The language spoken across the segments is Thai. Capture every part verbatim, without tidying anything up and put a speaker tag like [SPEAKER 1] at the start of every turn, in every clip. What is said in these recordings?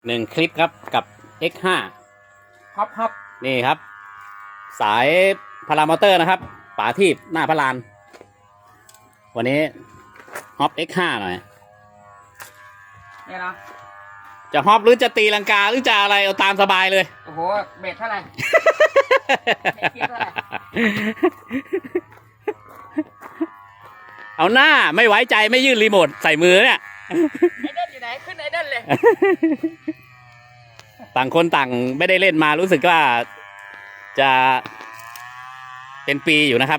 [SPEAKER 1] หนึ่งคลิปครับกับ เอ็กซ์ ห้า
[SPEAKER 2] ฮอปฮอป
[SPEAKER 1] นี่ครับ สายพารามอเตอร์นะครับป๋าทีบหน้าพระลาน วันนี้ฮอป เอ็กซ์ ห้า หน่อย
[SPEAKER 2] เนี่ยนะ
[SPEAKER 1] จะฮอปหรือจะตีลังกาหรือจะอะไรเอาตามสบายเลย
[SPEAKER 2] โอ้โหเบสเท่าไหร่ เบสเท่าไหร่
[SPEAKER 1] เอาหน้าไม่ไว้ใจไม่ยื่นรีโมทใส่มือเนี่ย
[SPEAKER 2] ไอเดนอยู่ไหนขึ้นไอเดนเลย
[SPEAKER 1] ต่างคนต่างไม่ได้เล่นมารู้สึกว่าจะเป็นปีอยู่นะครับ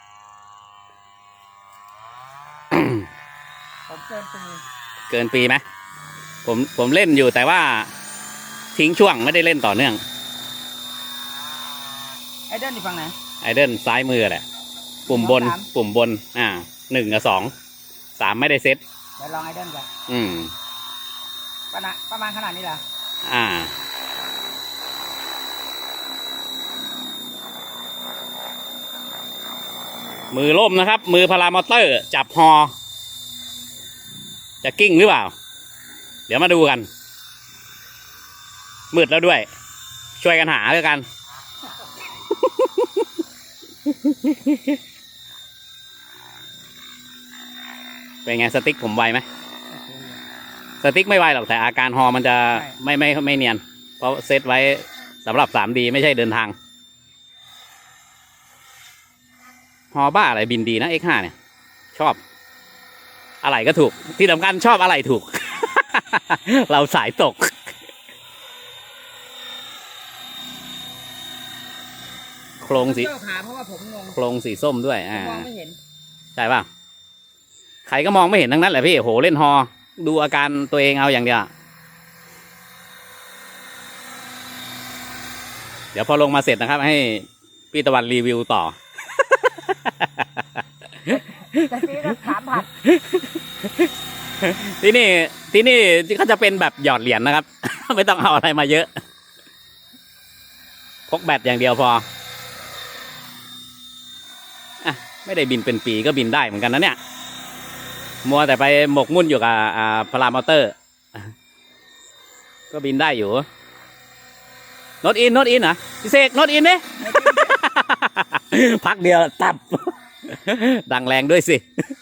[SPEAKER 2] ผมเกินปี
[SPEAKER 1] เกินปีไหมผมผมเล่นอยู่แต่ว่าทิ้งช่วงไม่ได้เล่นต่อเนื่อง
[SPEAKER 2] ไอเดนอยู่ฝั่งไหน
[SPEAKER 1] ไอเดิลซ้ายมือแหละปุ่มบนปุ่มบนอ่าหนึ่งกับสองสามไม่ได้เซ็ต
[SPEAKER 2] เดี๋ยวลองไอเดนกัน
[SPEAKER 1] อืม
[SPEAKER 2] ประมาณประมาณขนาดนี้เหรอ
[SPEAKER 1] อ่ามือล่มนะครับมือพารามอเตอร์จับฮอจะกิ้งหรือเปล่าเดี๋ยวมาดูกันมืดแล้วด้วยช่วยกันหาด้วยกัน เป็นไงสติ๊กผมไวไหมสติ๊กไม่ไวหรอกแต่อาการฮอมันจะไม่ไม่ไม่เนียนเพราะเซตไว้สำหรับ สามดี ไม่ใช่เดินทางฮอบ้าอะไรบินดีนะ เอ็กซ์ ห้า เนี่ยชอบอะไรก็ถูกที่สำคัญชอบอะไรถูก เราสายตกโครงสี
[SPEAKER 2] เพราะว่าผมงง
[SPEAKER 1] โครงสีส้มด้วยอ่าม
[SPEAKER 2] องไม่เห็น
[SPEAKER 1] ใช่ป่ะใครก็มองไม่เห็นทั้งนั้นแหละพี่โหเล่นฮอดูอาการตัวเองเอาอย่างเดียวเดี๋ยวพอลงมาเสร็จนะครับให้พี่ตะวันรีวิวต่อ
[SPEAKER 2] แต่พี่ก็ถามผัด
[SPEAKER 1] ที่นี่ที่นี่เขาจะเป็นแบบหยอดเหรียญนะครับ ไม่ต้องเอาอะไรมาเยอะพกแบตอย่างเดียวพออ่ะไม่ได้บินเป็นปีก็บินได้เหมือนกันนะเนี่ยมัวแต่ไปหมกมุ่นอยู่กับอ่าพารามอเตอร์ก็บินได้อยู่โนตอินโนตอินเหรอพี่เสกโนตอินเนี่ย พักเดียวตับ ดังแรงด้วยสิ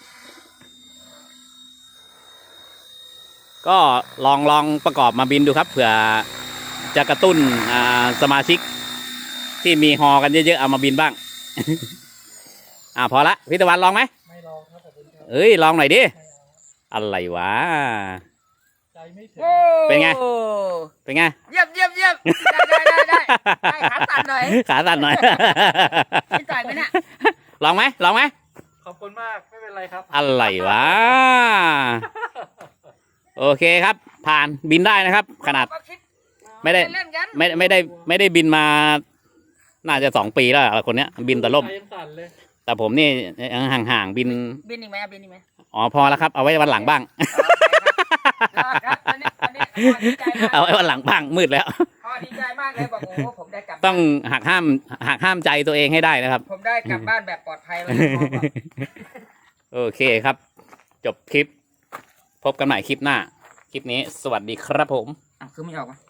[SPEAKER 1] ก็ลองลองประกอบมาบินดูครับเผื่อจะกระตุ้นอ่าสมาชิกที่มีฮอกันเยอะๆเอามาบินบ้าง อ่าพอละพี่ตะวันลองไหมไม่ลองครับผมเอ้ยลองหน่อยดิอะไรวะใจไม่ถึงเป็นไงเป็นไง
[SPEAKER 2] เยี่ยมเยี่ยมเยี่ยมได้ได้ได้ได้ขาสั่นหน่อย
[SPEAKER 1] ขาสั่นหน่อย
[SPEAKER 2] พี่จ่ายไหมเนี่ย
[SPEAKER 1] ลองไหมลองไหม
[SPEAKER 3] ขอบคุณมากไม่เป็นไรครับ
[SPEAKER 1] อะไรวะโอเคครับผ่านบินได้นะครับขนาดไม่ได้ไม่ไม่ได้ไม่ได้บินมาน่าจะสองปีแล้วคนเนี้ยบินแต่ล่มแต่ผมนี่ห่างๆบิน
[SPEAKER 2] บินอีกไหมบินอีกไหม
[SPEAKER 1] อ๋อพอแล้วครับเอาไว้วันหลังบ้างเอาไว้วันหลังบ้างมืดแล้ว
[SPEAKER 2] พอดีใจมากเลยบอกโอ้ผมได้กลับ
[SPEAKER 1] ต้องหักห้ามหักห้ามใจตัวเองให้ได้นะครับ
[SPEAKER 2] ผมได้กลับบ้านแบบปลอดภัยแล้ว
[SPEAKER 1] โอเคครับจบคลิปพบกันใหม่คลิปหน้าคลิปนี้สวัสดีครับผม
[SPEAKER 2] อ่ะคือไม่ออกวะ